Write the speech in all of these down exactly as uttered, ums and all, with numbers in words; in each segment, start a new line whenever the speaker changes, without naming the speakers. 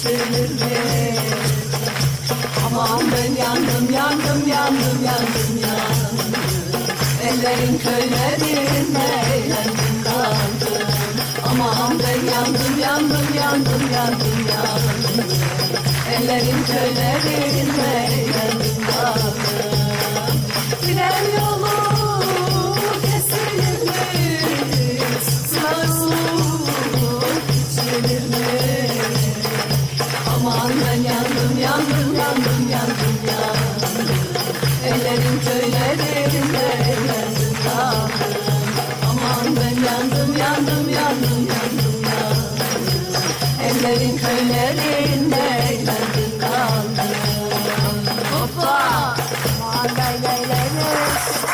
içilir mi? Aman ben yandım, yandım, yandım, yandım, yandım. Ellerin köylerinde eğlendim kaldım. Aman ben yandım, yandım, yandım, yandım, yandım. Ellerin köylerinde eğlendim kaldım. Tren yolu kesilir mi? Sınavur içilir mi? Aman ben yandım, yandım, yandım, yandım, yandım. Ellerin köylerinde eğlendim kaldım. Aman ben yandım, yandım, yandım, yandım, yandım. Ellerin köylerinde eğlendim kaldım. Hoppa! Aman lay lay lay lay.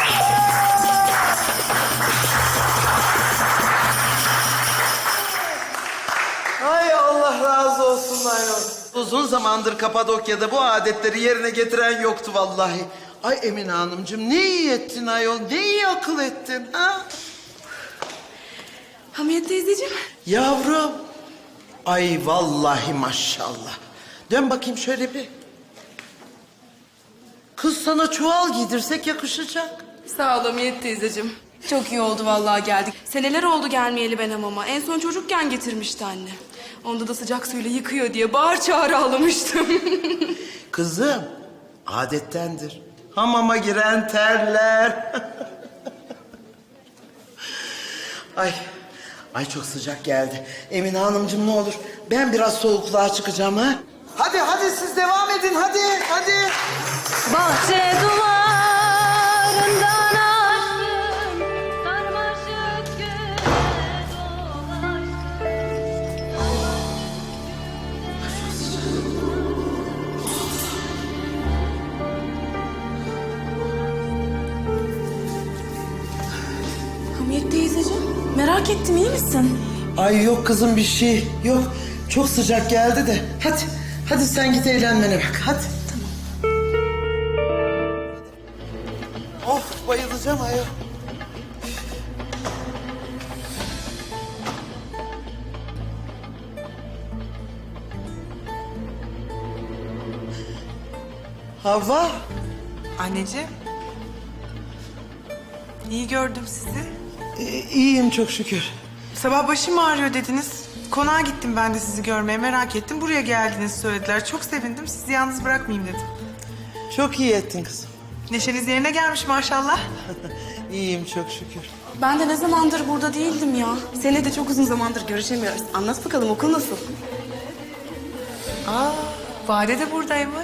Ay Allah razı olsun ayol. Uzun zamandır Kapadokya'da bu adetleri yerine getiren yoktu vallahi. Ay Emine Hanımcığım ne iyi ettin ayol, ne iyi akıl ettin ha?
Hamiyet teyzeciğim.
Yavrum. Ay vallahi maşallah. Dön bakayım şöyle bir. Kız sana çuval giydirsek yakışacak.
Sağ ol Hamiyet teyzeciğim. Çok iyi oldu vallahi geldik. Seneler oldu gelmeyeli ben hamama. En son çocukken getirmişti anne. Onda da sıcak suyla yıkıyor diye bağır çağır ağlamıştım.
Kızım, adettendir. Hamama giren terler. Ay, ay çok sıcak geldi. Emine Hanımcığım ne olur ben biraz soğukluğa çıkacağım ha. Hadi hadi siz devam edin hadi hadi.
Bahçe duvarından aşkın sarmaşık güne dolaştın.
Hamiyet teyzeciğim merak ettim iyi misin?
Ay yok kızım bir şey yok. Çok sıcak geldi de. Hadi hadi sen git eğlenmene bak hadi. Of bayılacağım ayol. Havva.
Anneciğim. İyi gördüm sizi.
e, iyiyim çok şükür.
Sabah başım ağrıyor dediniz. Konağa gittim ben de sizi görmeye merak ettim. Buraya geldiğinizi söylediler. Çok sevindim. Sizi yalnız bırakmayayım dedim.
Çok iyi ettin kızım.
Neşeniz yerine gelmiş maşallah.
İyiyim çok şükür.
Ben de ne zamandır burada değildim ya. Seninle de çok uzun zamandır görüşemiyoruz. Anlat bakalım okul nasıl?
Aa, Bade de buradaymış.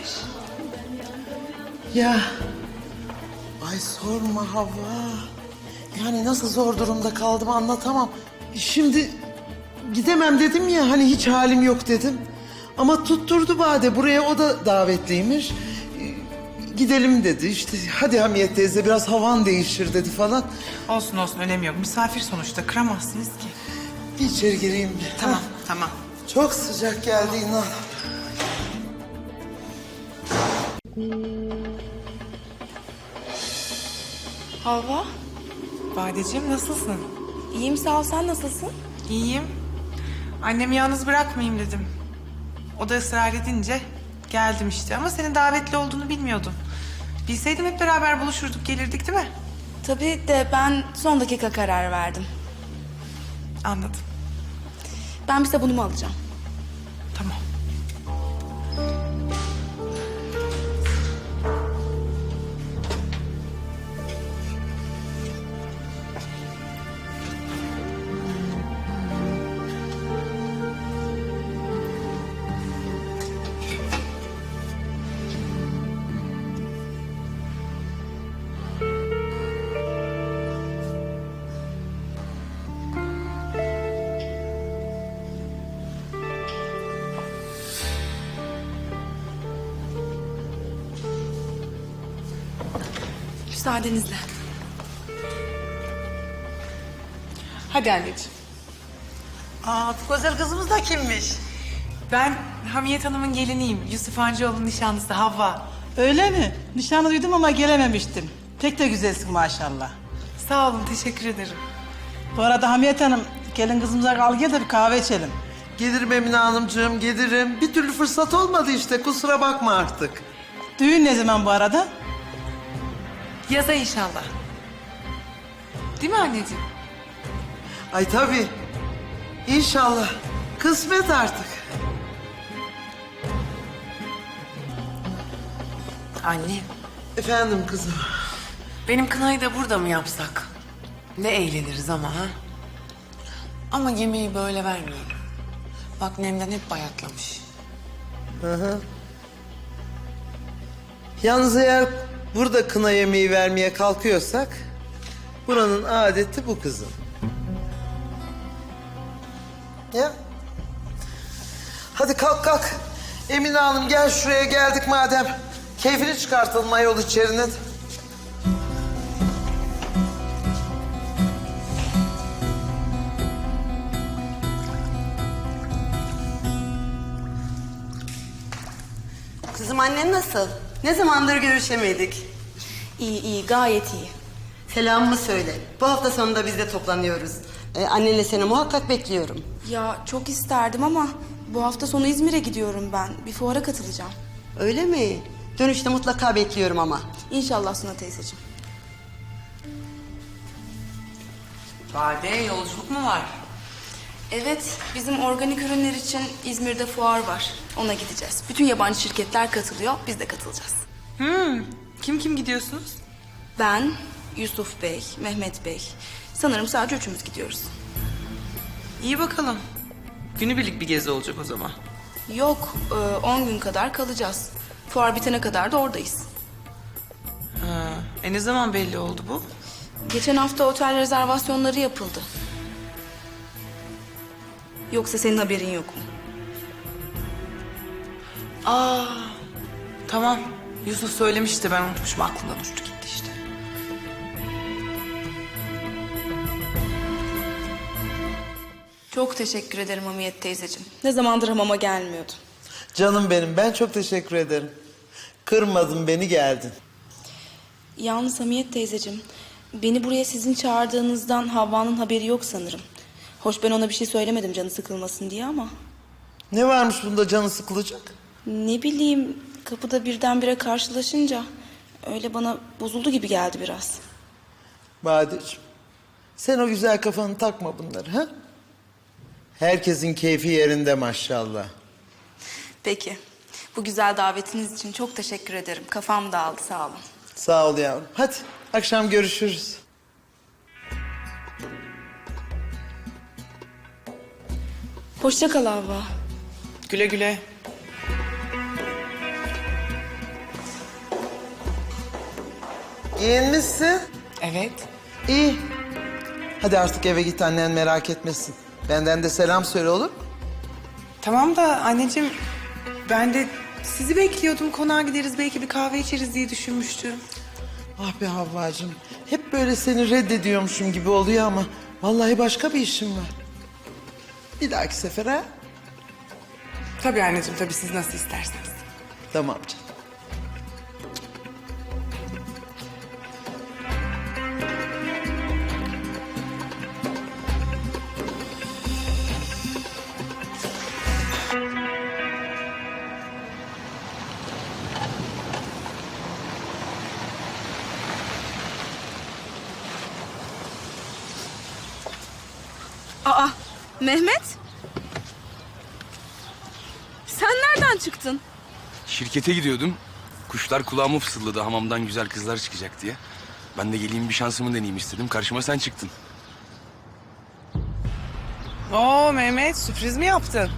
Ya. Ay sorma Havva. Yani nasıl zor durumda kaldım anlatamam. Şimdi gidemem dedim ya hani hiç halim yok dedim. Ama tutturdu Bade buraya o da davetliymiş. Ee, Gidelim dedi işte hadi Hamiyet teyze biraz havan değişir dedi falan.
Olsun olsun önemi yok. Misafir sonuçta kıramazsınız ki.
Bir içeri gireyim bir.
Tamam
Ha,
tamam.
çok sıcak geldi inan.
Havva.
Badeciğim nasılsın?
İyiyim sağ ol sen nasılsın?
İyiyim. Annemi yalnız bırakmayayım dedim. O da ısrar edince geldim işte. Ama senin davetli olduğunu bilmiyordum. Bilseydim hep beraber buluşurduk, gelirdik değil mi?
Tabii de ben son dakika karar verdim.
Anladım.
Ben bir sabunumu alacağım.
Tamam.
Müsaadenizle.
Hadi anneciğim.
Aa, bu güzel kızımız da kimmiş?
Ben Hamiyet Hanım'ın geliniyim. Yusuf Hancıoğlu'nun nişanlısı Havva.
Öyle mi? Nişanı duydum ama gelememiştim. Pek de güzelsin maşallah.
Sağ olun, teşekkür ederim.
Bu arada Hamiyet Hanım, gelin kızımıza kal gel de bir kahve içelim.
Gelirim Emine Hanımcığım, gelirim. Bir türlü fırsat olmadı işte, kusura bakma artık.
Düğün ne zaman bu arada?
Yaza inşallah. Değil mi anneciğim?
Ay tabii. İnşallah. Kısmet artık.
Anne,
Efendim kızım.
benim kınayı da burada mı yapsak? Ne eğleniriz ama ha? Ama yemeği böyle vermeyelim. Bak Nemden hep bayatlamış.
Yalnız eğer burada kına yemeği vermeye kalkıyorsak... buranın adeti bu kızım. Ya. Hadi kalk kalk. Emine Hanım gel şuraya geldik madem. Keyfini çıkartalım ayol içerinin.
Kızım annen nasıl? Ne zamandır görüşemedik.
İyi iyi gayet iyi.
Selamımı söyle. Bu hafta sonunda biz de toplanıyoruz. Ee, annenle seni muhakkak bekliyorum.
Ya çok isterdim ama bu hafta sonu İzmir'e gidiyorum ben. Bir fuara katılacağım.
Öyle mi? Dönüşte mutlaka bekliyorum ama.
İnşallah Suna teyzeciğim.
Bade yolculuk mu var?
Evet, bizim organik ürünler için İzmir'de fuar var. Ona gideceğiz. Bütün yabancı şirketler katılıyor, biz de katılacağız.
Hmm. Kim kim gidiyorsunuz?
Ben, Yusuf Bey, Mehmet Bey. Sanırım sadece üçümüz gidiyoruz.
İyi bakalım. Günübirlik bir gezi olacak o zaman.
Yok, e, on gün kadar kalacağız. Fuar bitene kadar da oradayız.
Ha. E ne zaman belli oldu bu?
Geçen hafta otel rezervasyonları yapıldı. Yoksa senin haberin yok mu?
Aa. Tamam. Yusuf söylemişti, ben unutmuşum, aklımdan uçtu gitti işte.
Çok teşekkür ederim Hamiyet teyzeciğim. Ne zamandır hamama gelmiyordum.
Canım benim, ben çok teşekkür ederim. Kırmadın beni, geldin.
Yalnız Hamiyet teyzeciğim, beni buraya sizin çağırdığınızdan Havva'nın haberi yok sanırım. Hoş ben ona bir şey söylemedim canı sıkılmasın diye ama...
Ne varmış bunda canı sıkılacak?
Ne bileyim, kapıda birdenbire karşılaşınca... öyle bana bozuldu gibi geldi biraz.
Badeciğim, sen o güzel kafanı takma bunları ha? Herkesin keyfi yerinde maşallah.
Peki, bu güzel davetiniz için çok teşekkür ederim. Kafam dağıldı, sağ olun.
Sağ ol yavrum. Hadi akşam görüşürüz.
Hoşça kal Havva.
Güle güle.
Giyinmişsin.
Evet.
İyi. Hadi artık eve git, annen merak etmesin. Benden de selam söyle, olur mu?
Tamam da anneciğim, ben de sizi bekliyordum. Konağa gideriz, belki bir kahve içeriz diye düşünmüştüm.
Ah be Havvacığım. Hep böyle seni reddediyormuşum gibi oluyor ama... vallahi başka bir işim var. Bir dahaki sefer ha?
Tabii anneciğim, tabii siz nasıl isterseniz.
Tamam canım.
Aa, Mehmet? Sen nereden çıktın?
Şirkete gidiyordum. Kuşlar kulağıma fısıldadı hamamdan güzel kızlar çıkacak diye. Ben de geleyim bir şansımı deneyeyim istedim. Karşıma sen çıktın.
Oo Mehmet, sürpriz mi yaptın?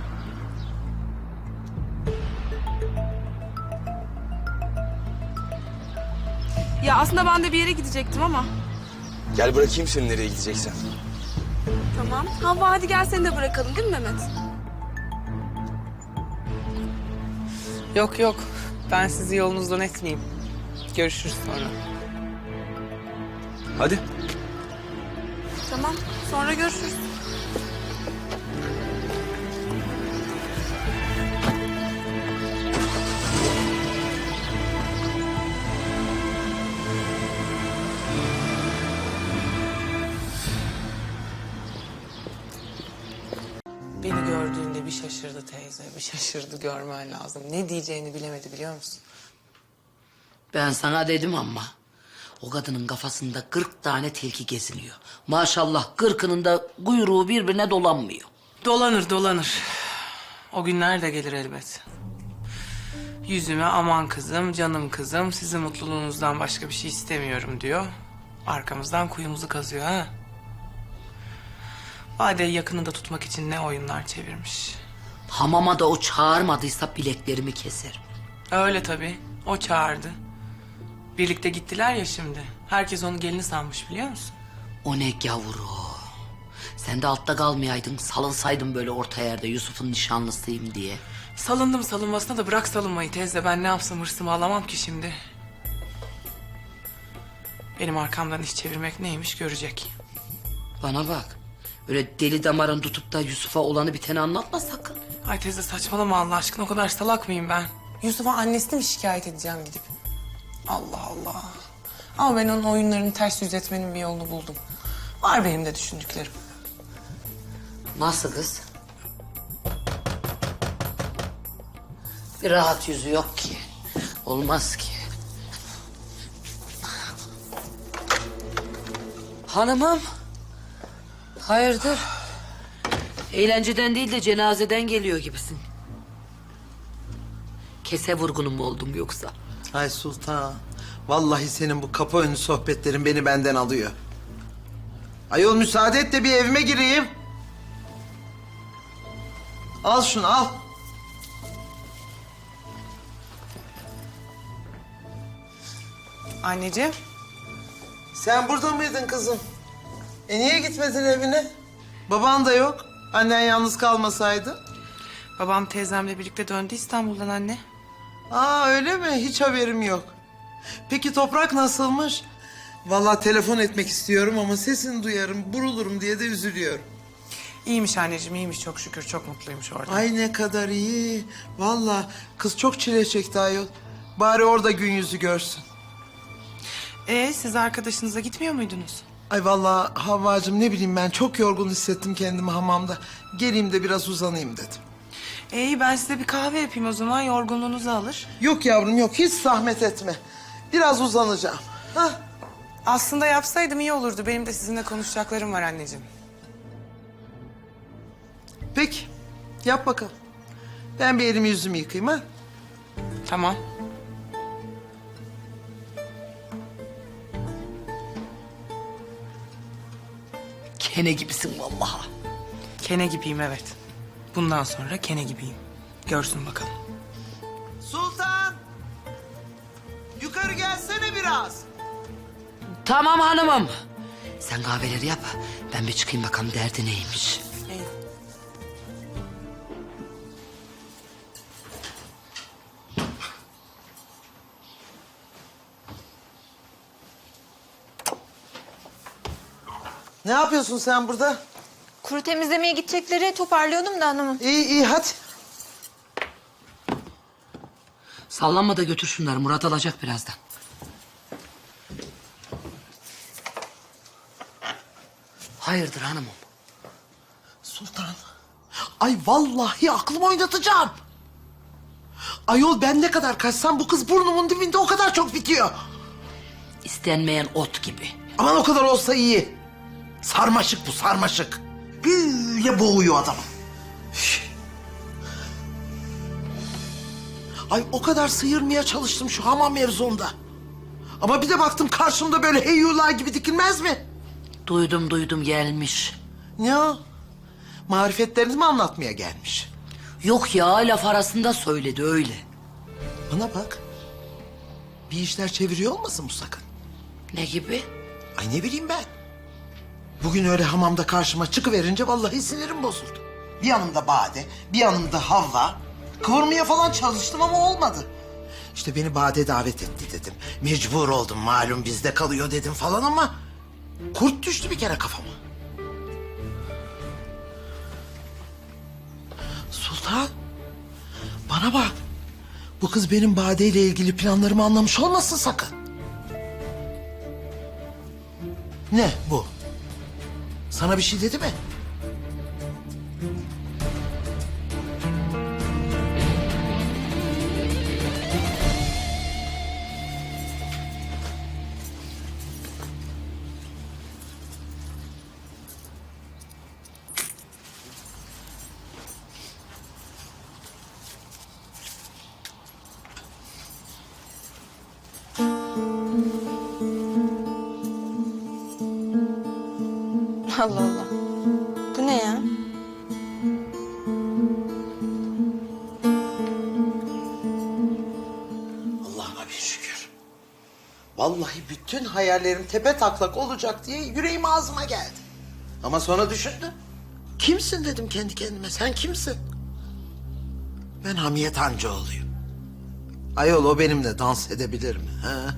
Ya aslında ben de bir yere gidecektim ama.
Gel bırakayım seni nereye gideceksen.
Tamam. Havva hadi gel seni de bırakalım değil mi Mehmet?
Yok yok, ben sizi yolunuzdan etmeyeyim. Görüşürüz sonra.
Hadi.
Tamam. Sonra görüşürüz.
Beni gördüğünde bir şaşırdı teyze. Bir şaşırdı, görmen lazım. Ne diyeceğini bilemedi, biliyor musun?
Ben sana dedim ama o kadının kafasında kırk tane tilki geziniyor. Maşallah kırkının da kuyruğu birbirine dolanmıyor.
Dolanır dolanır. O günler de gelir elbet. Yüzüme aman kızım, canım kızım, sizin mutluluğunuzdan başka bir şey istemiyorum diyor. Arkamızdan kuyumuzu kazıyor ha. Bade'yi yakınında tutmak için ne oyunlar çevirmiş.
Hamama da o çağırmadıysa bileklerimi keserim.
Öyle tabii. O çağırdı. Birlikte gittiler ya şimdi. Herkes onu gelini sanmış, biliyor musun?
O ne gavuru. Sen de altta kalmayaydın, salınsaydın böyle orta yerde Yusuf'un nişanlısıyım diye.
Salındım salınmasına da bırak salınmayı teyze. Ben ne yapsam hırsımı alamam ki şimdi. Benim arkamdan iş çevirmek neymiş görecek.
Bana bak, öyle deli damarın tutup da Yusuf'a olanı biteni anlatma sakın.
Ay teyze saçmalama Allah aşkına, o kadar salak mıyım ben? Yusuf'a annesini mi şikayet edeceğim gidip? Allah Allah. Ama ben onun oyunlarını ters yüz etmenin bir yolunu buldum. Var benim de düşündüklerim.
Nasıl kız? Bir rahat yüzü yok ki. Olmaz ki. Hanımım. Hayırdır? Eğlenceden değil de cenazeden geliyor gibisin. Kese vurgunun mu oldum yoksa?
Ay Sultan, vallahi senin bu kapı önü sohbetlerin beni benden alıyor. Ayol müsaade et de bir evime gireyim. Al şunu al.
Anneciğim.
Sen burada mıydın kızım? E niye gitmedin evine? Baban da yok. Annen yalnız kalmasaydı.
Babam teyzemle birlikte döndü İstanbul'dan anne.
Aa öyle mi? Hiç haberim yok. Peki toprak nasılmış? Vallahi telefon etmek istiyorum ama sesini duyarım, burulurum diye de üzülüyorum.
İyiymiş anneciğim, iyiymiş çok şükür. Çok mutluymuş orada.
Ay ne kadar iyi. Vallahi kız çok çile çekti ayol. Bari orada gün yüzü görsün.
Ee, siz arkadaşınıza gitmiyor muydunuz?
Ay vallahi Havvacığım ne bileyim ben çok yorgun hissettim kendimi hamamda. Geleyim de biraz uzanayım dedim.
İyi, ben size bir kahve yapayım o zaman, yorgunluğunuzu alır.
Yok yavrum yok, hiç zahmet etme. Biraz uzanacağım. Hah.
Aslında yapsaydım iyi olurdu. Benim de sizinle konuşacaklarım var anneciğim.
Peki, yap bakalım. Ben bir elimi yüzümü yıkayayım ha.
Tamam.
Kene gibisin vallahi.
Kene gibiyim evet. Bundan sonra kene gibiyim. Görsün bakalım.
Sultan! Yukarı gelsene biraz.
Tamam hanımım. Sen kahveleri yap. Ben bir çıkayım bakalım derdi neymiş.
İyi.
Ne yapıyorsun sen burada?
Kuru temizlemeye gidecekleri toparlıyordum da hanımım.
İyi iyi hadi.
Sallanma da götür şunları. Murat alacak birazdan. Hayırdır hanımım?
Sultan. Ay vallahi aklımı oynatacağım. Ayol ben ne kadar kaçsam bu kız burnumun dibinde o kadar çok bitiyor.
İstenmeyen ot gibi.
Aman o kadar olsa iyi. Sarmaşık bu sarmaşık. Böyle boğuyor adamı. Üf. Ay o kadar sıyırmaya çalıştım şu hamam mevzunda. Ama bir de baktım karşımda böyle heyyula gibi dikilmez mi?
Duydum duydum gelmiş.
Ne o? Marifetlerini mi anlatmaya gelmiş?
Yok ya laf arasında söyledi öyle.
Bana bak. Bir işler çeviriyor olmasın bu sakın?
Ne gibi?
Ay ne bileyim ben. Bugün öyle hamamda karşıma çıkıverince vallahi sinirim bozuldu. Bir yanımda Bade, bir yanımda Havva. Kıvırmaya falan çalıştım ama olmadı. İşte beni Bade davet etti dedim. Mecbur oldum malum bizde kalıyor dedim falan ama... kurt düştü bir kere kafama. Sultan, bana bak. Bu kız benim Bade ile ilgili planlarımı anlamış olmasın sakın. Ne bu? Sana bir şey dedi mi?
Allah Allah. Bu ne ya?
Allah'ıma bir şükür. Vallahi bütün hayallerim tepe taklak olacak diye yüreğim ağzıma geldi. Ama sonra düşündüm. Kimsin dedim kendi kendime. Sen kimsin? Ben Hamiyet Hancıoğlu'yum. Ayol o benimle dans edebilir mi? Ha?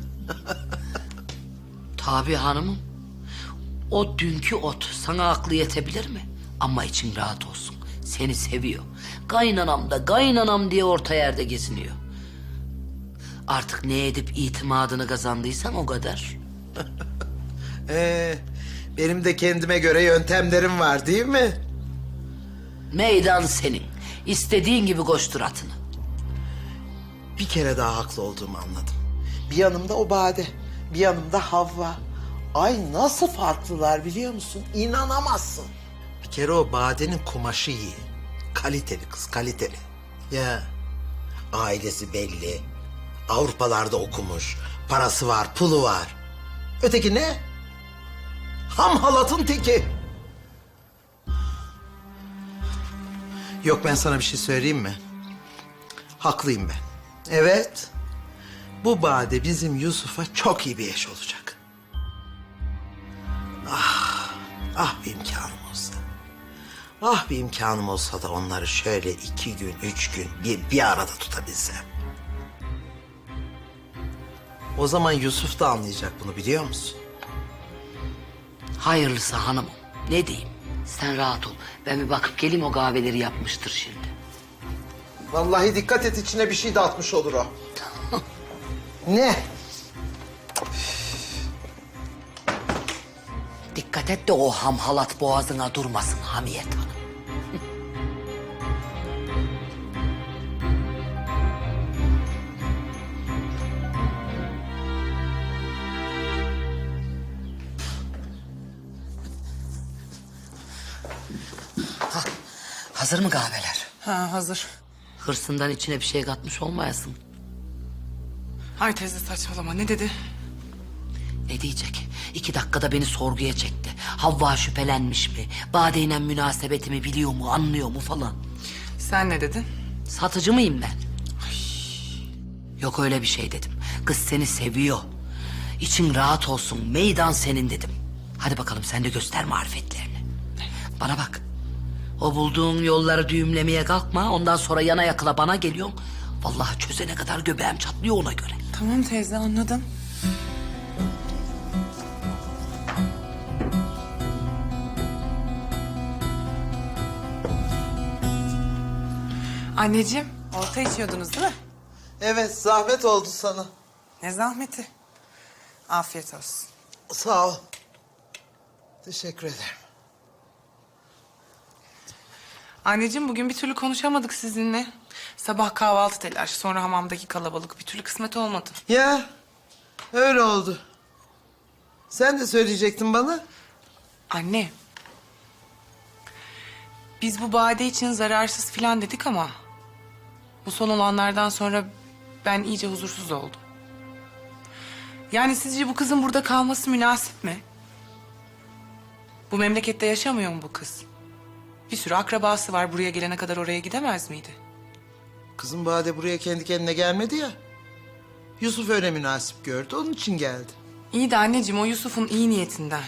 Tabii hanımım. O dünkü ot sana aklı yetebilir mi? Ama için rahat olsun. Seni seviyor. Kaynanam da kaynanam diye orta yerde geziniyor. Artık ne edip itimadını kazandıysan o kadar.
Ee, benim de kendime göre yöntemlerim var değil mi?
Meydan senin. İstediğin gibi koştur atını.
Bir kere daha haklı olduğumu anladım. Bir yanımda o Bade, bir yanımda Havva. Ay nasıl farklılar biliyor musun? İnanamazsın. Bir kere o Bade'nin kumaşı iyi. Kaliteli kız, kaliteli. Ya ailesi belli. Avrupalarda okumuş. Parası var, pulu var. Öteki ne? Ham halatın teki. Yok ben sana bir şey söyleyeyim mi? Haklıyım ben. Evet. Bu Bade bizim Yusuf'a çok iyi bir eş olacak. Ah, ah bir imkanım olsa. Ah bir imkanım olsa da onları şöyle iki gün, üç gün bir, bir arada tutabilsem. O zaman Yusuf da anlayacak bunu biliyor musun?
Hayırlısı hanımım. Ne diyeyim? Sen rahat ol. Ben bir bakıp geleyim, o kahveleri yapmıştır şimdi.
Vallahi dikkat et içine bir şey de atmış olur o. Ne?
Dikkat et de o ham halat boğazına durmasın Hamiyet Hanım. Ha, hazır mı kahveler?
Ha hazır.
Hırsından içine bir şey katmış olmayasın.
Ay teyze saçmalama ne dedi?
Ne diyecek? İki dakikada beni sorguya çekti. Havva şüphelenmiş mi? Bade'yle münasebetimi biliyor mu, anlıyor mu falan.
Sen ne dedin?
Satıcı mıyım ben? Yok öyle bir şey dedim. Kız seni seviyor. İçin rahat olsun, meydan senin dedim. Hadi bakalım sen de göster marifetlerini. Bana bak. O bulduğun yolları düğümlemeye kalkma. Ondan sonra yana yakıla bana geliyorsun. Vallahi çözene kadar göbeğim çatlıyor ona göre.
Tamam teyze anladım. Anneciğim, orta içiyordunuz değil mi?
Evet zahmet oldu sana.
Ne zahmeti. Afiyet olsun.
Sağ ol. Teşekkür ederim.
Anneciğim bugün bir türlü konuşamadık sizinle. Sabah kahvaltı telaşı, sonra hamamdaki kalabalık bir türlü kısmet olmadı.
Ya öyle oldu. Sen de söyleyecektin bana.
Anne. Biz bu Bade için zararsız filan dedik ama... bu son olanlardan sonra ben iyice huzursuz oldum. Yani sizce bu kızın burada kalması münasip mi? Bu memlekette yaşamıyor mu bu kız? Bir sürü akrabası var. Buraya gelene kadar oraya gidemez miydi?
Kızım Bade buraya kendi kendine gelmedi ya. Yusuf öyle münasip gördü, onun için geldi.
İyi de anneciğim o Yusuf'un iyi niyetinden.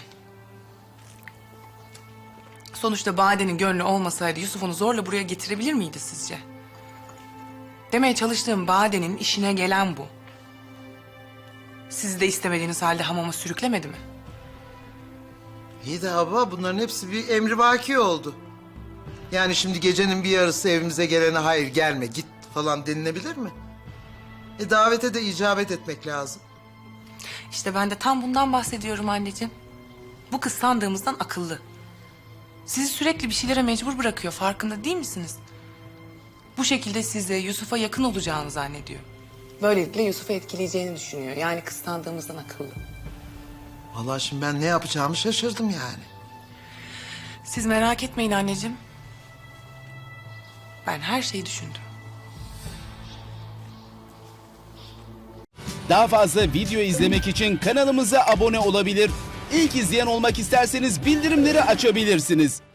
Sonuçta Bade'nin gönlü olmasaydı Yusuf onu zorla buraya getirebilir miydi sizce? Demeye çalıştığım Bade'nin işine gelen bu. Sizi de istemediğiniz halde hamama sürüklemedi mi?
İyi de abla bunların hepsi bir emrivaki oldu. Yani şimdi gecenin bir yarısı evimize gelene hayır gelme git falan denilebilir mi? E davete de icabet etmek lazım.
İşte ben de tam bundan bahsediyorum anneciğim. Bu kız sandığımızdan akıllı. Sizi sürekli bir şeylere mecbur bırakıyor, farkında değil misiniz? Bu şekilde size, Yusuf'a yakın olacağını zannediyor. Böylelikle Yusuf'u etkileyeceğini düşünüyor. Yani kız sandığımızdan akıllı.
Vallahi şimdi ben ne yapacağımı şaşırdım yani.
Siz merak etmeyin anneciğim. Ben her şeyi düşündüm.
Daha fazla video izlemek için kanalımıza abone olabilir. İlk izleyen olmak isterseniz bildirimleri açabilirsiniz.